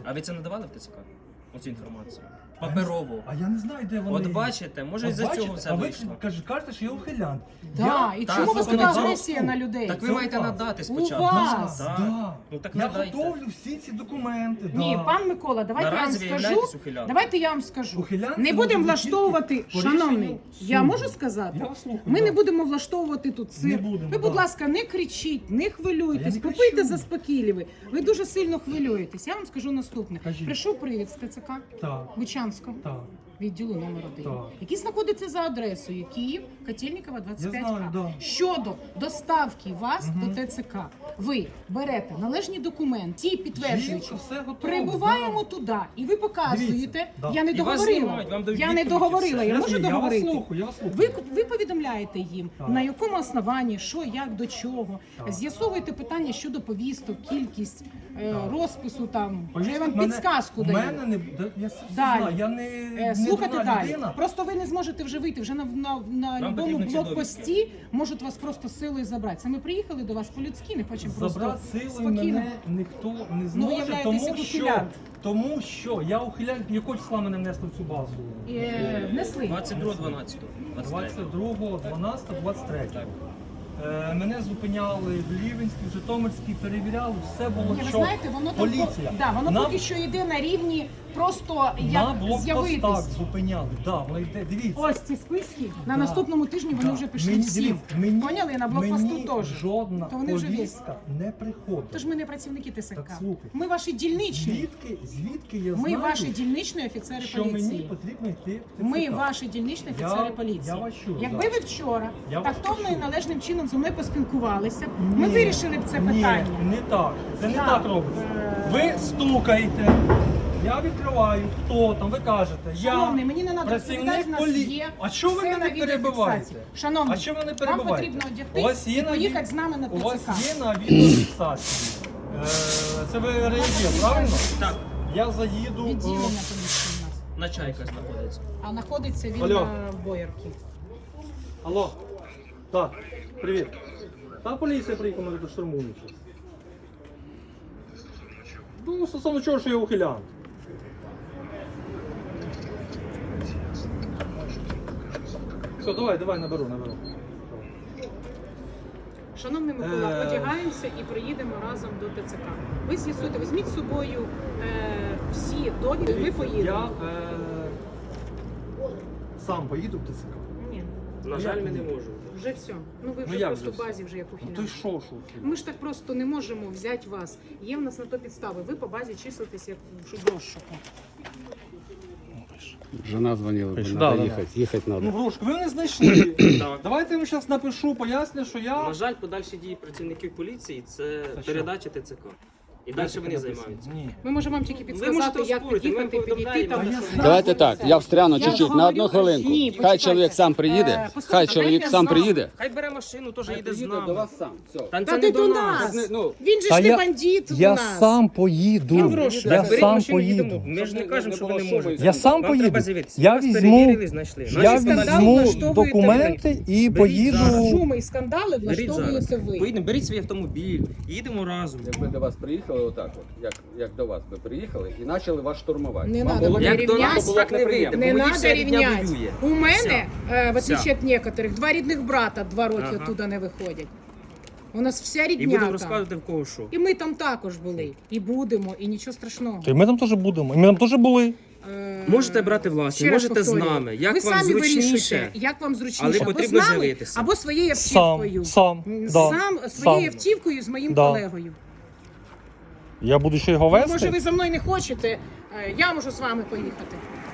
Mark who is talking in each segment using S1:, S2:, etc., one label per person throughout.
S1: А ви це надавали в ТЦК? Оцю інформацію? Паперово.
S2: А я не знаю, де вони.
S1: От бачите, може із-за цього все вийшло.
S2: А ви кажете, що я ухилянт.
S3: Так, і чому у вас така агресія на людей?
S1: Так ви
S2: Це
S1: маєте
S2: у вас.
S1: надати
S3: У
S1: спочатку.
S3: вас.
S2: Да.
S1: Ну так
S2: Я
S1: надайте.
S2: готовлю всі ці документи.
S3: Ні,
S2: да.
S3: пан Микола, давайте я вам
S1: Наразі ви
S3: скажу.
S1: являєтесь ухилянтом.
S3: Давайте я вам скажу.
S2: Ухилянтом
S3: Не
S2: може
S3: будемо
S2: бути
S3: влаштовувати,
S2: тільки по
S3: шановний,
S2: рішенню
S3: я
S2: суду.
S3: можу сказати?
S2: Я вас слухаю,
S3: Ми
S2: да.
S3: не будемо влаштовувати тут цирк.
S2: Не будемо,
S3: Ви, будь
S2: да.
S3: ласка, не кричіть, не
S2: Я
S3: хвилюйтесь,
S2: не
S3: попийте
S2: кричу.
S3: заспокійливі. Ви дуже сильно хвилюєтесь. Я вам скажу наступне.
S2: Кажіть.
S3: Прийшов привід з ТЦК
S2: Так,
S3: Бучанського.
S2: так.
S3: Відділу номер 1,
S2: Так.
S3: який знаходиться за адресою Київ, Котельникова, 25А.
S2: Я знаю, да.
S3: Щодо доставки вас до ТЦК, ви берете належні документи, ті підтверджуючи,
S2: Жінка, все готово,
S3: прибуваємо
S2: да.
S3: туди, і ви показуєте,
S2: Дивіться, да.
S3: я не
S1: І вас
S3: договорила,
S1: знімають, вам дають
S3: я не
S1: відповідь,
S3: договорила,
S1: і
S3: я
S1: все.
S3: можу
S2: Я вас
S3: договорити.
S2: слухаю, я вас слухаю.
S3: Ви повідомляєте їм,
S2: Так.
S3: на якому основанні, що, як, до чого.
S2: Так.
S3: З'ясовуєте питання щодо повісток, кількість, розпису там. Вже я вам
S2: Повісток
S3: підсказку
S2: в
S3: даю.
S2: мене не я все
S3: Далі.
S2: знаю, я не
S3: Слухайте
S2: дурна
S3: далі.
S2: людина.
S3: Просто ви не зможете вже вийти. Вже на любому
S1: потрібно ці
S3: блокпості можуть вас просто силою забрати. Це ми приїхали до вас по-людськи, не хочемо просто
S2: Забрати силою
S3: спокійно.
S2: мене ніхто не
S3: Ну, ви
S2: зможе,
S3: являєтеся ухилянт.
S2: тому що я ухилянт, якого числа мене внесли в цю базу?
S3: Внесли.
S1: 22-12.
S2: 22, 12, 23. Мене зупиняли в Лівенській, в Житомирській, перевіряли, все було
S3: Ні, ви
S2: чітко.
S3: знаєте, воно там
S2: Поліція.
S3: воно
S2: На-
S3: поки що йде на рівні просто
S2: На
S3: як
S2: блокпостах
S3: з'явитись.
S2: зупиняли. Да, воно йде, дивіться.
S3: Ось ці списки на
S2: Да.
S3: наступному тижні вони
S2: Да.
S3: вже пішли
S2: Мені-
S3: всі.
S2: дивіться,
S3: Поняли? На блокпосту
S2: мені
S3: теж.
S2: жодна
S3: То вони вже
S2: повістка не приходить.
S3: Тож ми не працівники ТСК.
S2: Так, слухайте.
S3: Ми ваші дільничні.
S2: Звідки я
S3: Ми
S2: знаю,
S3: ваші дільничні офіцери
S2: що мені
S3: поліції.
S2: потрібно йти в ТЦК?
S3: Ми ваші дільничні офіцери поліції.
S2: я вас чую,
S3: Якби
S2: да.
S3: ви вчора
S2: Я вас
S3: тактовно і
S2: чую.
S3: належним чином зі мною поспілкувалися, ми
S2: Ні.
S3: вирішили б це питання.
S2: Ні, не так. Це не
S3: Так.
S2: так робиться. Ви стукаєте, я відкриваю, хто там, ви кажете,
S3: Шановний,
S2: я
S3: мені не треба розповідати, в нас є
S2: А що ви
S3: все
S2: мене
S3: на відеофіксації.
S2: перебиваєте?
S3: Шановний,
S2: А що ви мене
S3: вам
S2: перебиваєте?
S3: потрібно одягтись і поїхати з нами на
S2: У вас
S3: ТЦК.
S2: є на відеофіксації. Це ви реєстр, правильно?
S1: Так,
S2: Я заїду.
S3: Відділення поліції у нас.
S1: на Чайка знаходиться.
S3: А знаходиться він
S2: Алло.
S3: на Боярки.
S2: Алло. Так, привіт. Та поліція приїхала, мене тут штурмують. Ну, стосовно чого, що я ухилянт. Все, давай, наберу.
S3: Шановний Микола, одягаємося і приїдемо разом до ТЦК. Ви з'ясуйте, візьміть з собою всі довідки, ви поїдете.
S2: Я сам поїду в ТЦК.
S3: Ні,
S1: На жаль, ми не можемо.
S3: вже все. Ну ви
S2: Ну,
S3: вже
S2: як
S3: просто
S2: вже
S3: в базі вже як
S2: Ну то й
S3: ухилянт.
S2: що, ухилянт?
S3: Ми ж так просто не можемо взяти вас. Є в нас на то підстави. Ви по базі числитесь як в розшуку.
S4: Жена звонила,
S2: Да,
S4: надо
S2: да.
S4: ехать надо.
S2: Ну, Грушко, ви не знайшли.
S1: Так.
S2: Давайте я вам зараз напишу, поясню, що я...
S1: На жаль, подальші дії працівників поліції це
S2: що?
S1: передача ТЦК. І далі вони
S2: написано?
S1: займаються.
S2: Ні.
S3: Ми можемо вам тільки
S1: Ви
S3: підсказати,
S1: можете
S3: як
S1: оспорити, ми
S3: під'їхати, підійти
S1: повідомляємо,
S3: там.
S2: що-
S3: що-
S4: Давайте так, я встряну
S3: Я
S4: чуть-чуть,
S3: говорю,
S4: на одну хвилинку.
S3: ні,
S4: Хай
S3: почекайте.
S4: чоловік сам приїде,
S3: Послухайте,
S4: хай чоловік
S3: я
S4: сам
S3: знав.
S4: приїде.
S1: Хай бере машину, теж їде з
S4: Приїде
S1: нами.
S4: до вас сам, все.
S1: Та
S3: Та
S1: це
S3: ти
S1: не
S3: до
S1: до
S3: нас.
S1: нас.
S4: Ну,
S3: Він же
S2: Та
S3: ж не
S2: я-
S3: бандит у
S2: Я
S3: нас.
S2: сам поїду.
S3: Він в розшуку.
S2: Я
S1: Так, беріть
S2: сам
S1: машину, їдемо.
S2: поїду.
S1: Ми ж не кажемо, що ви не
S4: було
S1: можете.
S2: Я сам
S1: Вам
S2: поїду.
S1: треба з'явитися.
S2: Я
S1: Вас
S2: візьму,
S1: перевірили, знайшли.
S2: я
S1: Значить,
S3: скандал
S2: візьму
S3: влаштовуєте
S2: документи і
S1: Беріть зараз.
S2: поїду.
S3: Шуми і скандали
S1: Беріть зараз.
S3: влаштовуєте ви.
S1: Поїдемо, беріть свій автомобіль, їдемо разом.
S4: Якби до вас приїхали отак от, як до вас би приїхали і почали вас штурмувати.
S3: Не
S4: Вам
S3: надо,
S4: було б-
S3: як
S1: Як до
S3: рівняйся,
S1: нас, так не вийде.
S3: Не
S1: Водій
S3: треба
S1: все рівня
S3: рівняти.
S1: воює.
S3: У мене, в
S1: Все.
S3: отличие від некоторих, два рідних брата 2 роки
S1: Ага.
S3: оттуда не виходять. У нас вся
S1: І
S3: рідня
S1: будемо
S3: там.
S1: розказувати в кого що.
S3: І ми там також були. І будемо, і нічого страшного.
S2: Ми там теж будемо. Ми там теж були.
S1: Можете брати власні,
S3: Ще раз
S1: можете з
S3: повторюю.
S1: нами. Як
S3: ви
S1: вам
S3: самі
S1: зручніше.
S3: вирішуєте, як вам зручніше.
S1: Але
S3: або
S1: потрібно
S3: з нами,
S1: з'явитися.
S3: або своєю
S2: Сам,
S3: автівкою.
S2: сам, да,
S3: Сам своєю
S2: сам.
S3: автівкою з моїм
S2: Да.
S3: колегою.
S2: Я буду ще його
S3: Ну, може,
S2: вести.
S3: ви за мною не хочете, я можу з вами поїхати.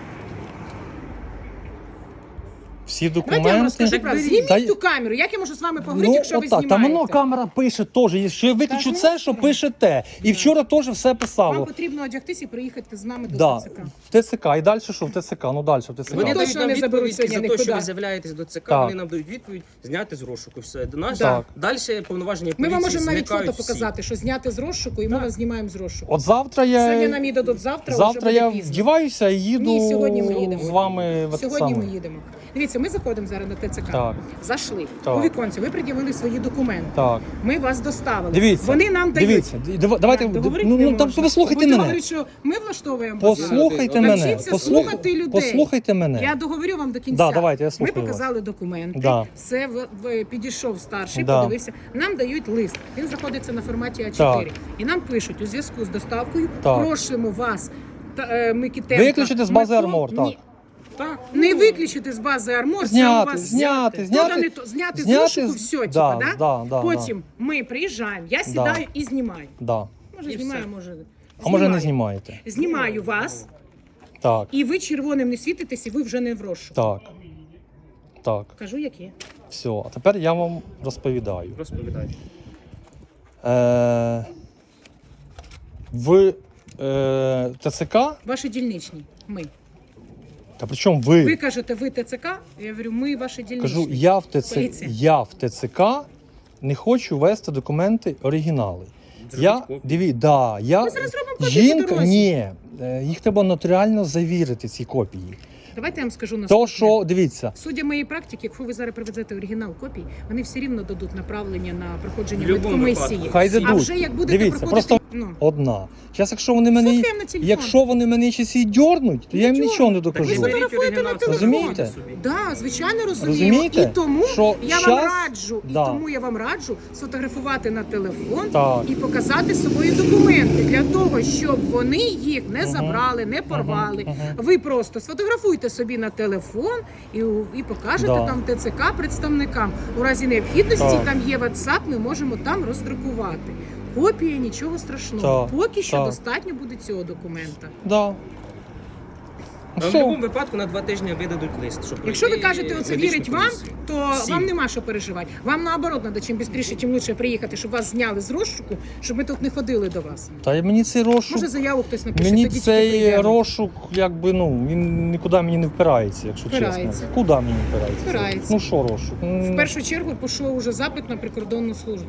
S2: Всі
S3: Давайте я вам
S2: документи.
S3: розкажу
S1: Так
S3: правду.
S1: беріть.
S3: Зніміть
S2: Та-
S3: ту камеру. Як я можу з вами поговорити,
S2: Ну,
S3: якщо ви
S2: отак,
S3: знімаєте?
S2: там воно камера пише теж. Якщо я виключу
S3: Так,
S2: це,
S3: ну,
S2: що
S3: ну.
S2: пише те. І вчора теж все
S3: Вам
S2: писало.
S3: потрібно одягтись і приїхати з нами до
S2: Да.
S3: ТЦК.
S2: В ТЦК. І далі що в ТЦК? Ну далі в ТЦК.
S1: Вони
S3: точно
S1: дають нам
S3: не заберуть
S1: відповідь
S3: сьогодні
S1: за те, що
S3: нікуди.
S1: ви з'являєтесь до ЦК,
S2: Так.
S1: вони нам дають відповідь зняти з розшуку. Все. До нас
S2: Так.
S1: далі повноваження
S3: Ми
S1: поліції
S3: вам можемо навіть
S1: зникають
S3: фото
S1: всі.
S3: показати, що зняти з розшуку, і ми вас знімаємо з розшуку.
S2: От завтра
S3: Сьогодні нам
S2: я,
S3: її дадуть завтра,
S2: завтра
S3: вже
S2: я
S3: буде пізно.
S2: вдіваюся і їду
S3: Ні, сьогодні ми їдемо.
S2: з вами в те
S3: Сьогодні
S2: саме.
S3: ми їдемо. Дивіться, ми заходимо зараз на ТЦК.
S5: Так.
S3: Зайшли.
S5: Так.
S3: У віконці ви пред'явили свої документи.
S5: Так.
S3: Ми вас доставили.
S5: Дивіться.
S3: Вони нам дають.
S5: Дивіться. Давайте,
S3: Договорити
S5: ну,
S3: не
S5: там
S3: можна.
S5: послухайте
S3: Будете
S5: мене.
S3: говорити, що ми влаштовуємо базар.
S5: Послухайте мене.
S3: Навчіться слухати людей.
S5: Послухайте мене.
S3: Я договорю вам до кінця.
S5: Да, давайте, я
S3: Ми
S5: слухаю
S3: показали документи.
S5: Да.
S3: Все підійшов старший,
S5: Да.
S3: подивився. Нам дають лист. Він знаходиться на форматі А4.
S5: Так.
S3: І нам пишуть у зв'язку з доставкою.
S5: Так.
S3: Просимо вас, Микитенка.
S5: Виключити з бази
S3: Микола-
S5: Армор, так.
S3: Ні. Так, не виключити з бази Армор, це у
S5: Зняти,
S3: вас
S5: зняти.
S3: зняти з розшуку, все,
S5: Да,
S3: типа,
S5: да, да,
S3: Потім ми приїжджаємо, я сідаю і знімаю.
S5: Да.
S3: Може, знімаю, може.
S5: А може не
S3: знімаю.
S5: знімаєте?
S3: Знімаю вас,
S5: Так,
S3: і ви червоним не світитесь, і ви вже не в розшуку.
S5: так. Так,
S3: Кажу, як є.
S5: все. А тепер я вам розповідаю.
S1: Розповідай.
S5: В ТЦК,
S3: Ваші дільничні, ми.
S5: та при чому
S3: Ви
S5: ви?
S3: кажете, ви ТЦК, я говорю, ми ваші дільничні.
S5: Кажу,
S3: Поліція.
S5: я в ТЦК не хочу вести документи оригінали.
S3: Ми зараз зробимо копії по
S5: жінка,
S3: дорозі.
S5: ні, їх треба нотаріально завірити, ці копії.
S3: Давайте я вам скажу
S5: То,
S3: наступне.
S5: що, дивіться,
S3: Судя моєї практики, якщо ви зараз привезете оригінал копій, вони все рівно дадуть направлення на проходження
S1: В будь-якому
S3: медкомісії.
S1: випадку.
S5: Хай
S3: А
S5: дадуть.
S3: вже як будете
S5: Дивіться,
S3: проходити,
S5: просто
S3: ну,
S5: одна. Зараз, якщо вони мене ще сі дьорнуть, то я їм
S3: Нічого.
S5: нічого не
S3: ви
S5: докажу.
S3: фотографуєте на телефон.
S5: Розумієте?
S3: Да, звичайно розуміємо.
S5: Розумієте,
S3: І тому
S5: що
S3: я вам
S5: щас-
S3: раджу,
S5: Да.
S3: і тому я вам раджу сфотографувати на телефон
S5: Так.
S3: і показати свої документи для того, щоб вони їх не забрали, не порвали. Ви просто сфотографуйте собі на телефон і покажете
S5: Да.
S3: там ТЦК представникам. У разі необхідності
S5: Так.
S3: там є WhatsApp, ми можемо там роздрукувати. Копія, нічого страшного.
S5: Так.
S3: Поки що
S5: Так.
S3: достатньо буде цього документа.
S5: Да.
S1: А в
S5: Все.
S1: будь-якому випадку на 2 тижні видадуть лист, щоб
S3: Якщо ви
S1: пройти
S3: кажете, оце
S1: медичну
S3: вірить вам,
S1: комісію.
S3: то
S1: Всім.
S3: вам нема що переживати. Вам наоборот треба чим швидше, чим лучше приїхати, щоб вас зняли з розшуку, щоб ми тут не ходили до вас.
S5: Та й мені цей розшук,
S3: Може заяву хтось напише,
S5: мені
S3: тоді тільки
S5: цей
S3: прийдемо.
S5: розшук, якби, ну, він нікуди мені не впирається, якщо
S3: Впирається.
S5: чесно. Куди мені впирається?
S3: Впирається.
S5: Ну що розшук?
S3: В першу чергу пішов уже запит на прикордонну службу.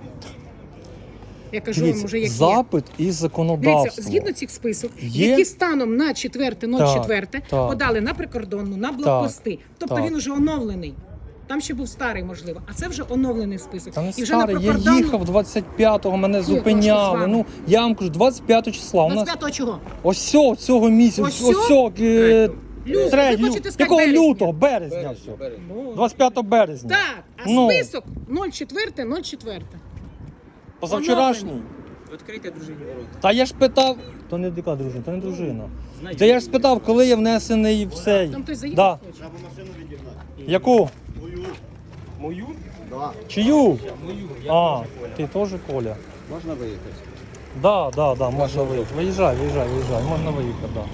S3: Я кажу вам
S5: Дивіться,
S3: уже, як є.
S5: запит і законодавство.
S3: Дивіться, згідно цих список,
S5: Є?
S3: які станом на 4.04
S5: Так, так.
S3: подали на прикордонну, на блокпости. Тобто
S5: так.
S3: він уже оновлений. Там ще був старий, можливо, а це вже оновлений список.
S5: Та не
S3: І вже
S5: старий,
S3: на
S5: я
S3: прикордонну...
S5: їхав 25-го, мене
S3: трошки з
S5: зупиняли.
S3: вами.
S5: Ну, я вам кажу, 25 числа. У нас
S3: 25-го чого?
S5: ось цього місяця,
S3: Ось цього?
S5: третього,
S3: Ви хочете сказати
S5: якого
S3: березня?
S5: лютого? Березня все. 25 березня.
S3: Так, а
S5: Ну.
S3: список 04.04.
S5: Позавчорашній.
S1: Відкрийте дружині ворота.
S5: Та я ж питав, то не дика дружина, то не дружина.
S1: Знаєте,
S5: Та я ж спитав, коли я внесений в цей.
S3: Там хтось
S5: Да.
S3: заїхав хоче?
S5: Яку?
S1: Мою?
S5: Чию?
S1: Мою. Я
S5: А,
S1: теж Коля.
S5: ти теж Коля?
S4: Можна виїхати?
S5: Да, можна виїхати. Виїжджай, можна виїхати, да.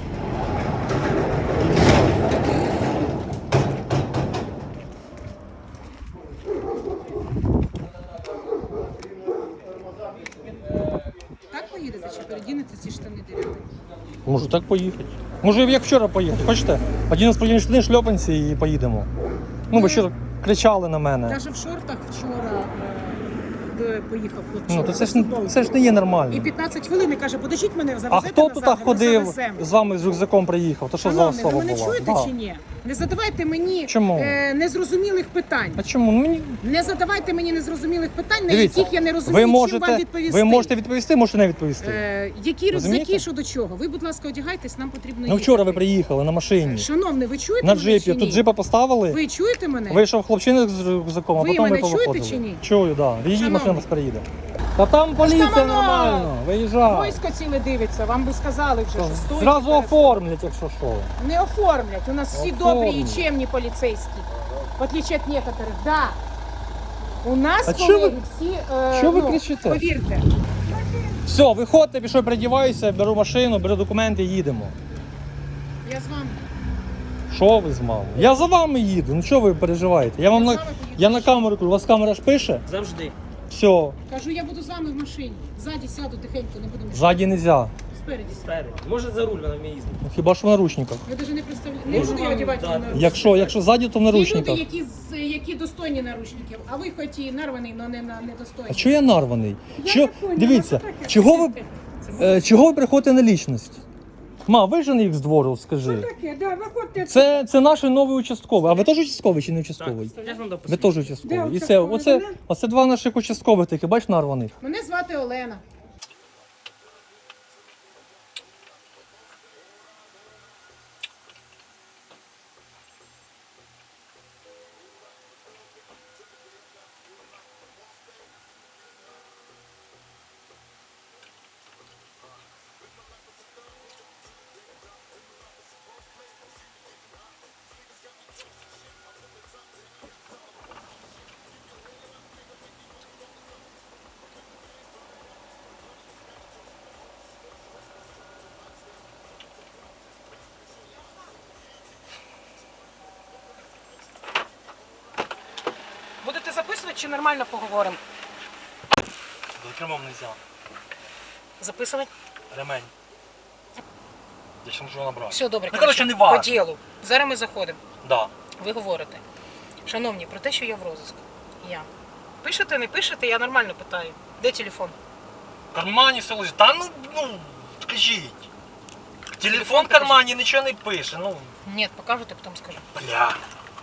S3: Так поїдете чи передінете ці штани дерев'яні?
S5: Можу так поїхати. Може, як вчора поїхати, хочете? Одінемо сподівні штани, шльопанці і поїдемо. Ну, ви ще кричали на мене.
S3: Навіть в шортах вчора поїхав хлопчина.
S5: Ну, то
S3: без футболки.
S5: це ж не є нормально.
S3: І 15 хвилин і каже, подождіть мене, завезете
S5: А хто
S3: назад,
S5: тут
S3: а ми
S5: ходив,
S3: завеземо.
S5: з вами з рюкзаком приїхав? То що за
S3: Шановний,
S5: особа
S3: ви мене
S5: була?
S3: чуєте
S5: Да.
S3: чи ні? Не задавайте мені
S5: Чому?
S3: незрозумілих питань.
S5: А чому? Ну, мені...
S3: Не задавайте мені незрозумілих питань, на
S5: Дивіться,
S3: яких я не розумію, чим вам відповісти.
S5: ви можете відповісти, можете не відповісти.
S3: Які
S5: Розумієте?
S3: рюкзаки, що до чого? Ви, будь ласка, одягайтесь, нам потрібно
S5: Ну вчора ви
S3: їхати.
S5: приїхали на машині.
S3: Шановний, ви чуєте
S5: На
S3: мене
S5: джипі.
S3: чи ні?
S5: Тут джипа поставили.
S3: Ви чуєте мене?
S5: Вийшов хлопчина з рюкзаком, а
S3: Ви
S5: потім ми
S3: мене чуєте
S5: повиходили.
S3: чи ні?
S5: Чую, так. Да. Її
S3: Шановний.
S5: машина вас переїде. Та там поліція
S3: там воно!
S5: нормально. Виїжджай.
S3: Військо ціле дивиться, вам би сказали вже, що стоїть.
S5: Зразу
S3: перед-
S5: оформлять, якщо що.
S3: Не оформлять. У нас всі
S5: Оформлять.
S3: добрі і чемні поліцейські. В отличие от некоторых. Да. У нас,
S5: А
S3: колеги,
S5: чого ви-
S3: всі,
S5: чого ви кричите?
S3: повірте.
S5: Все, виходьте, пішов, передіваюся, беру машину, беру документи, їдемо.
S3: Я з вами.
S5: Що ви з мамою? Я за вами їду. Ну що ви переживаєте? Я вам
S3: Я
S5: на
S3: з вами поїду.
S5: я на камеру кажу, у вас камера ж пише?
S1: Завжди.
S5: Все,
S3: Кажу, я буду з вами в машині. Ззаді сяду тихенько, не буду мішати.
S5: ззаді не можна.
S3: Спереді.
S1: Спереду. Може за руль вона вміє їздити.
S5: Ну, хіба що в наручниках.
S3: Я навіть не представляю. Не
S1: Можу
S3: буду я
S1: вам
S3: одягати
S1: дати.
S3: на
S5: Якщо ззаді, то в
S3: Є люди,
S5: наручниках.
S3: які достойні наручників, а ви хоч і нарваний, але не недостойні.
S5: А чого я нарваний?
S3: Я
S5: Що,
S3: не поняла,
S5: дивіться,
S3: що таке?
S5: чого ви приходите на лічність? Ма, вижени їх з двору, скажи.
S3: Таке, да, виходьте.
S5: Це наш новий участковий. А ви теж участковий чи не участковий?
S1: Я ж вам дав
S5: Ви теж участковий.
S3: Де
S5: І це,
S3: участковий?
S5: оце два наших участкових такі, бач, нарваних.
S3: Мене звати Олена. Будете записувати чи нормально поговоримо?
S5: За кермом не можна.
S3: Записувати?
S5: Ремень. Я ще можу набрати.
S3: Все добре.
S5: Ну, коротше, не важно.
S3: По ділу. Зараз ми заходимо.
S5: Да.
S3: Ви говорите. Шановні, про те, що я в розиску. Я. Пишете, не пишете, я нормально питаю. Де телефон?
S5: В кармані все лежить. Та ну, скажіть. Телефон в
S3: покажіть.
S5: кармані нічого не пише, ну,
S3: Ні, покажете, потім скажу.
S5: бля.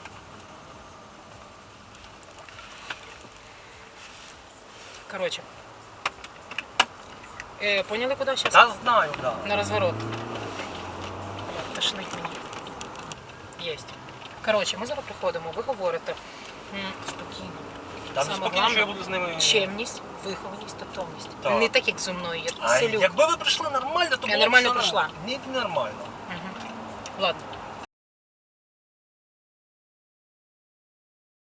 S3: Коротше. Поняли, куди зараз?
S5: Та знаю, да.
S3: На розворот. Тошнить мені. Єсть. Коротше, ми зараз приходимо, ви говорите. Спокійно.
S5: Та
S3: Саме
S5: не спокійно,
S3: головне,
S5: що я буду з ними.
S3: Чемність, вихованість, тактовність.
S5: Так.
S3: Не так, як зі мною. Я
S5: А
S3: селюк.
S5: якби ви прийшли нормально, то
S3: Я
S5: було б
S3: нормально
S5: все
S3: прийшла.
S5: Ні, нормально.
S3: Мгм. Ладно.